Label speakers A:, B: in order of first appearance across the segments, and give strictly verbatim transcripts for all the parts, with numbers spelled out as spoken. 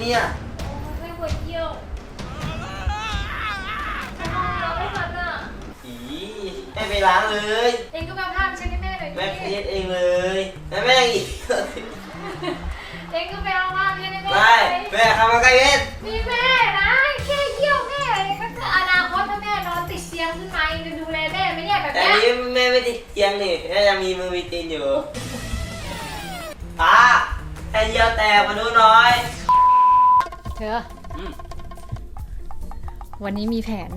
A: เนี่ย
B: ไม่ปวดเยี่ยวเราไม่ทันอ่ะ
A: อีแม่ไปล้างเลย
B: เองก็มาพาไปเช็ดให้แม่หน่อยดิ
A: แม่เช็ดเองเลยแม่แม่อีก
B: เองก็ไปเอาผ้าไปเช็ดให้แม่
A: ไม่แม่ทำมาใกล้เวท
B: มีแม่นะแค่เยี่ยวแม่ก็คืออนาคตถ้าแม่นอนติดเตียงขึ้นมาเองจะดูแลแม่ไหมเนี่ยแบบ
A: แต่
B: นี้
A: นี้แม่ไม่ติดเตียงนี่แม่ยังมีมือมีตีนอยู่ตาให้เยี่ยวแตกมาดูหน่อย
B: เธอวันนี้มีแผน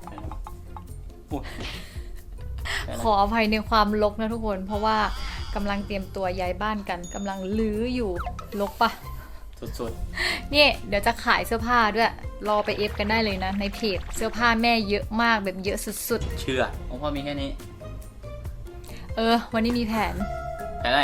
B: ขออภัยในความรกนะทุกคนเพราะว่ากำลังเตรียมตัวย้ายบ้านกันกำลังลื้ออยู่รกปะ
A: สุด
B: ๆนี่เดี๋ยวจะขายเสื้อผ้าด้วยรอไปเอฟกันได้เลยนะในเพจเสื้อผ้าแม่เยอะมากแบบเยอะสุด
C: ๆเชื่อของพ่อมีแค่นี้
B: เออวันนี้มีแผน
C: แผนอะไร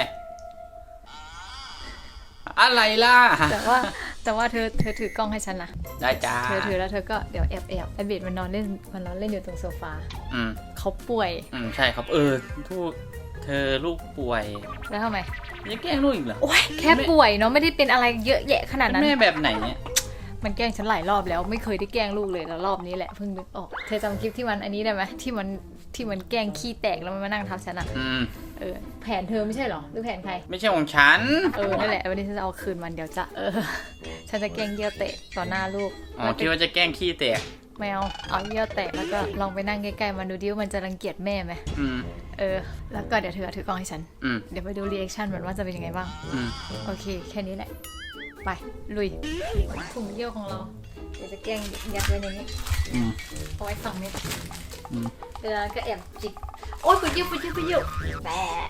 C: อะไรล่ะ
B: แต่ว่าแต่ว่าเธอเธอถือกล้องให้ฉันนะ
C: ได้จ้า
B: เธอถือแล้วเธอก็เดี๋ยวแอบแอบไอเบดมันนอนเล่นมันนอนเล่นอยู่ตรงโซฟา
C: อืม
B: เขาป่วย
C: อืมใช่ครับเออทุกเธอลูกป่วย
B: แล้วทำไม
C: ยังแกล้งลูกอีกเหรอ
B: โอ๊ยแค่ป่วยเนาะไม่ได้เป็นอะไรเยอะแยะขนาดนั้น
C: แม่แบบไหนเนี่ย
B: มันแกล้งฉันหลายรอบแล้วไม่เคยได้แกล้งลูกเลยแล้วรอบนี้แหละเพิ่งนึกออกเธอจำคลิปที่มันอันนี้ได้ไหมที่มันที่มันแกล้งขี้แตกแล้วมันมานั่งทับฉันอะ
C: อืม
B: เออแผนเธอไม่ใช่หรอหรือแผนใคร
C: ไม่ใช่ของฉัน
B: เออนั่นแหละวันนี้ฉันจะเอาคืนมันเดี๋ยวจะเออฉันจะแกล้งเยี่ยวแตกต่อหน้าลูก
C: อ๋อคิดว่าจะแกล้งขี้แตก
B: ไม่เอาเอาเยี่ยวแตกแล้วก็ลองไปนั่งใกล้ๆมันดูดิว่ามันจะรังเกียจแม่ไหม
C: อืม
B: เออแล้วก็เดี๋ยวเธอถือกล้องให้ฉัน
C: อืม
B: เดี๋ยวไปดูรีแอคชั่นมันว่าจะเป็นยังไงบ้าง
C: อืม
B: โอเคแค่นี้แหละไปลุยถุงเยี่ยวของเราเดี๋ยวจะแกล้งยัดไว้ในนี้เอาไว้สองเม็ดเดี๋ยวก็แอบจิกโอ๊ยปวดเยี่ยวปวดเยี่ยวปวดเยี่ยวแบะ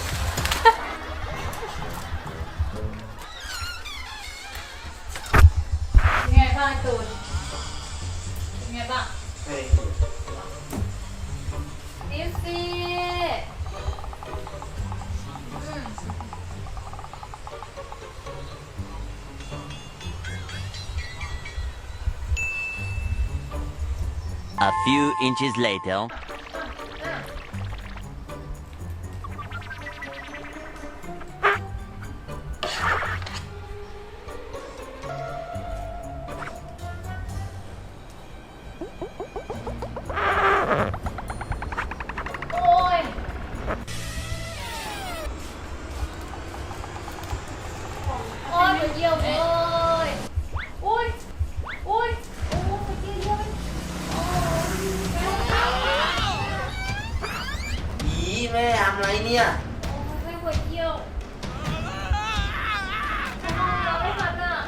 B: เป็นไงบ้างตูนเป็นไงบ้างดิฟซี่
D: A few inches later.
A: แม่ทำอะไรเนี่ย
B: ไม่ปวดเยี่ยวเราไม่ทันอ่ะ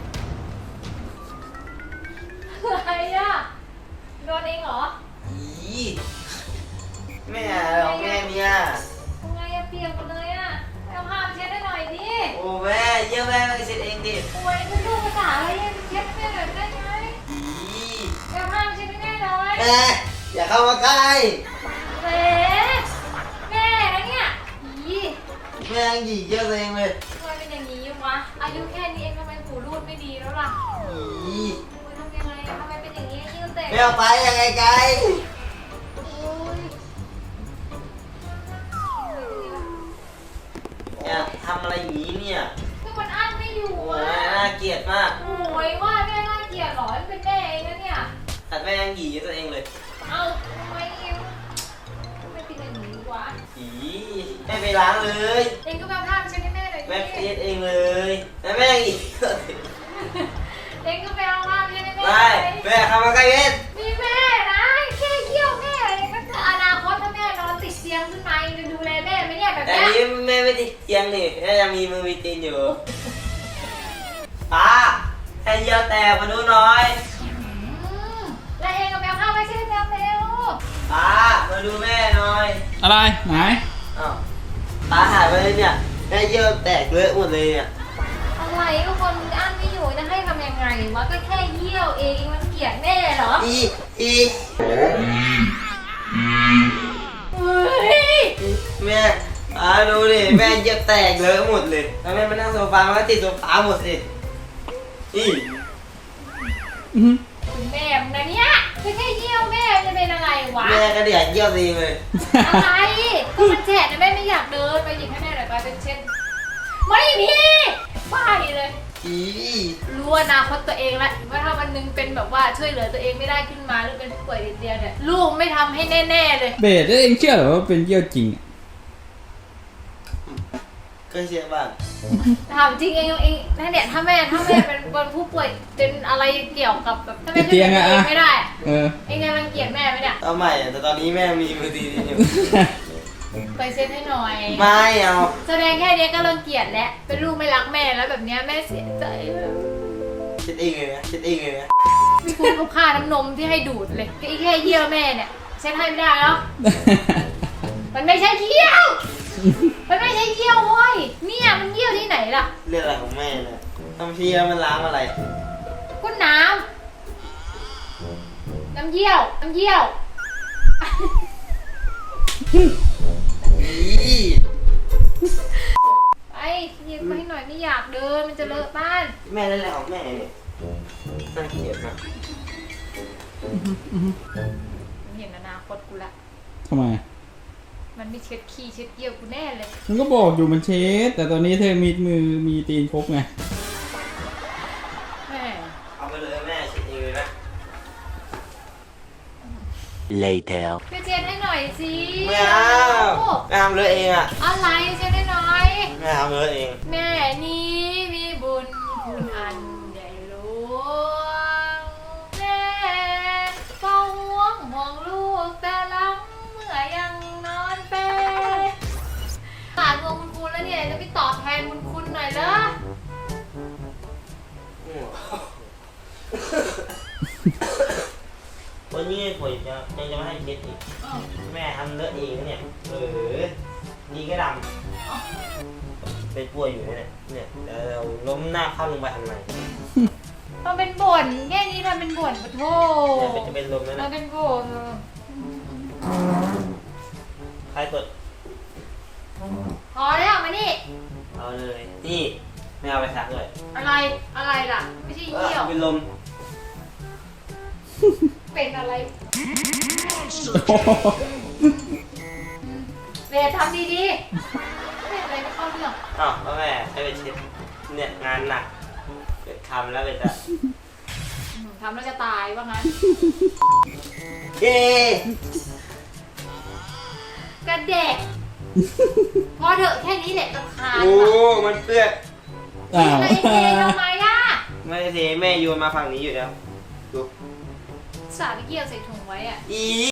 B: อะไรอ่ะโดนเองเหรอ
A: อีแม่หรอแม่เนี่ย
B: ทำไงอะเปียกหมดเลยอ่ะเอาผ้าไปเช็ดให้หน่อยดิ
A: โอ้แม่เยี่ยมแม่ไปเช็ดเองดิ
B: ป่วยเป็นลูกภาษาอะไรเช็ดให้แม่หน่อยได้ไหมอีเอาผ้าไปเช็ดให้แม่หน่อย
A: แม่อย่าเข้ามาใกล้
B: เบ๊แม่นะเนี่ยอี
A: แม่หยีเยี่ยวเองเลย
B: ทำไมเป็นอย่างนี้วะอายุแค่นี้เองทำไมหูรูดไม่ดีแล้วล่ะ
A: อี
B: ทำยังไงทำไมเป็นอย่างนี้ยิ่งเตะ
A: ไม่เอาไปยังไงไกลเนี่ยทำอะไรอย่างนี้เนี่ย
B: ก็มันอั้นไม่อยู่อ่ะ
A: น่าเกลียดมาก
B: โอ้ยว่าแม่น่าเกลียดหรอเป็นแม่เองนะเนี่ย
A: แต่แม่ยังหยีตัวเองเลย
B: เอาทำไมเองไม่เป็นอย่างนี้วะ
A: อีแม่ไปล้างเลย
B: เองก็มาผ้าไปเช็ดให้แม่หน่อยดิ
A: แม่เช็ดเองเลยแล้วแม่อีก
B: เองก็ไปเอาผ้าไปเช็ดให้แม่
A: ไม่แม่ทำมาใกล้เวท
B: มีแม่นะแค่เยี่ยวแม่ก็คืออนาคตถ้าแม่นอนติดเตียงขึ้นมาเองจะดูแลแม่ไหมเนี่ยแบบนี้
A: แต่นี้แม่ไม่ติดเตียงนี่แม่ยังมีมือมีตีนอยู่ตาให้เยี่ยวแตกมาดูหน่อย
B: แล้วเองก็ไปเอาผ้าไปเช็ดแล้วเร็ว
A: ตามาดูแม่หน่อย
C: อะไรไหน
A: อ้าวตาหายไปเลยเนี่ยแม่เยี่ยวแตกเลอะหมดเลยเนี่ย
B: อะไรก็คนอั้นไม่อยู่จะให้ทำยังไงวะก็แค่เยี่ยวเองมันเกลียดแม่เหรอ
A: อีอีแม่ตาดูดิแม่เยี่ยวแตกเลอะหมดเลยแล้วแม่มานั่งโซฟามันก็ติดโซฟาหมดสิอี
B: แม่มึงนะเนี่ยไม่ใช่เยี่ยวแม่จะเป็นอะไรวะ
A: แม่ก็เดือดเยี่ยวดีเลย
B: อะไรก็มันแฉะนะแม่ไม่อยากเดินไปหยิบให้แม่หน่อยไปเป็นเช่นไม่มีบ้าเลย
A: อี
B: รู้อนาคตตัวเองแล้วว่าถ้าวันหนึงเป็นแบบว่าช่วยเหลือตัวเองไม่ได้ขึ้นมาหรือเป็นผู้ป่วยติดเตียงเนี่ยลูกไม่ทำให้แน่ๆเลย
E: เบสเองเชื่อเหรอว่าเป็นเยี่ยวจริงอะ
A: ก็เชื่อบ้าง
B: ถามจริงเองเองถ้าเนี่ยถ้าแม่ถ้าแม่เป็นคนผู้ป่วยเป็นอะไรเกี่ยวกับแบบถ้าแม่ช่วยเหลือตัวเองไม่ได้
E: เออ
B: เองจะรังเกียจแม่ไหมเนี่ย
A: เอาใหม่อะแต่ตอนนี้แม่มีมือตีนอยู่
B: ไปเซ็นให้หน่อย
A: ไม่เอา
B: แสดงแค่เนี้ยก็รังเกียจแล้วเป็นลูกไม่รักแม่แล้วแบบเนี้ยแม่เสียใจ
A: คิดเองเลยนะคิดเองเลยนะ
B: มีคุณกับค่าน้ำนมที่ให้ดูดเลยก็อีแค่เยี่ยวแม่เนี่ยเซ็นให้ไม่ได้แล้วมันไม่ใช่เยี่ยวมันไม่ใช่เยี่ยวเว้ยเนี่ยมันเยี่ยวที่ไหนล่ะ
A: เรื่องอะไรของแม่เนี่ยทำพี่แล้วมันล้างอะไร
B: ก็น้ำน้ำเยี่ยวน้ำเยี่ยว
A: อี
B: ไปหยิบมาให้หน่อยไม่อยากเดินมันจะเลอะบ้าน
A: แม่เรื่องอะไรของแม่เนี่ยน่าเกลียดมาก
B: มันเห็นอนาคตกูละ
E: ทำไม
B: มันไม่เช็ดขี้เช็ดเยี่ยวกูแน่เลย
E: มันก็บอกอยู่มันเช็ดแต่ตอนนี้เธอมีมือมีตีนครบไง
B: แม่
A: เอาไปเลยแม่คิดเองเลยนะ
D: Later.
B: ไปเช็ดให้หน่อยสิ
A: ไม่เอาแม่ทำเลยเองอ่ะ
B: อะไรเช็ดให้หน่อย
A: แม่ทำเลยเอง
B: แม่นี้มีบุญคุณอันใหญ่หลวงแม่ก็ห่วงห่วงลูกแต่ลังเมื่อยังนอนเปรขาดเงินบุญคุณแล้วเนี่ยจะไปตอบแทนบุญคุณหน่อยเหรอ
A: วันนี้ผมจะยังจะไม่ให้คิดอีก
B: อ้าว
A: แม่ทำเลอะเองนะเนี่ยเออนี่ก็ดำเป็นป่วยอยู่เนี่ยเนี่ยแต่เราล้มหน้าเข้าลงไปทำไม
B: ทำเป็นบ่นแค่นี้ทำเป็นบ่นปะโถ
A: เนี่ยเป็นจะเป็นลมแล้วนะ
B: ทำเป็นบ่น
A: ใครกด
B: พอแล้วมานี่
A: เอาเลยนี่ไม่เอาไปซักเลย
B: อะไรอะไรล่ะ ไม่ใช่
A: เอ
B: เยี่ยว
A: อเป็นลม
B: เป็นอะไรเบสทำดีๆเป็นอะไรไม่เข้าเรื่อง
A: อ้าวพ่อแม่ให้ไปเช็ดเนี่ยงานหนักเกิดทำแล้วไปจะ
B: อืมทำแล้วจะตายว่างั้น
A: เย้
B: กระเด็กพอเถอะแค่นี้แหละรำคาญ
A: โอ้
B: ว่ะ
A: มันเปื้อน
E: อ้าว
B: อะไรเททำไมอ่ะ
A: ไม่ได้เทแม่โยนมาฝั่งนี้อยู่แล้วดู
B: สาไปเกี่ยวใส่ถุงไว้อ่ะ
A: อี